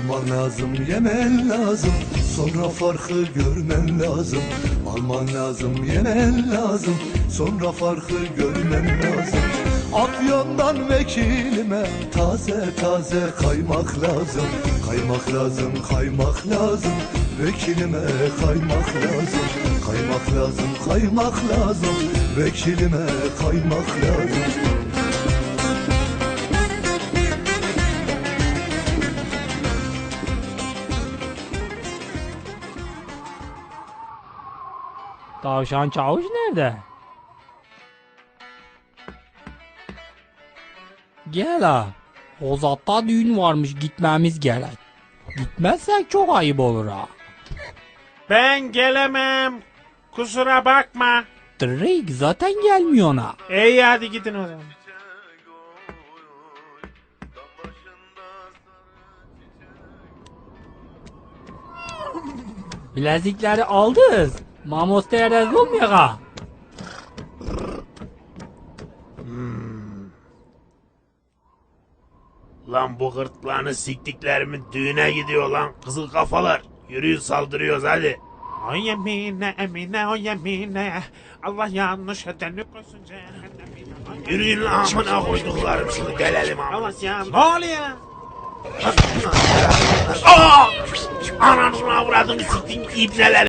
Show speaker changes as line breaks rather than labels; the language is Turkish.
Alman lazım, yemen lazım, sonra farkı görmen lazım. Alman lazım, yemen lazım, sonra farkı görmen lazım. Afyon'dan vekilime taze taze kaymak lazım. Kaymak lazım, kaymak lazım, vekilime kaymak lazım. Kaymak lazım, kaymak lazım, vekilime kaymak lazım.
Tavşan Çavuş nerede? Gel ha. Hozat'ta düğün varmış, gitmemiz gerek. Gitmezsek çok ayıp olur ha.
Ben gelemem. Kusura bakma.
Drake zaten gelmiyor ha.
İyi hadi gidin o zaman.
Bilezikleri aldız. Mamostaya rezil olmuyor ha.
Lan bu gırtlağını siktiklerimin düğüne gidiyor lan kızıl kafalar. Yürüyün saldırıyoruz hadi.
O yemine emine o yemine. Allah yanlış edeni koysun cehennemine.
Yürüyün lan amına koyduklarım şunu delelim amına.
Allah ya. Ne oluyor?
Aa! Ananı avradını siktin ibneler.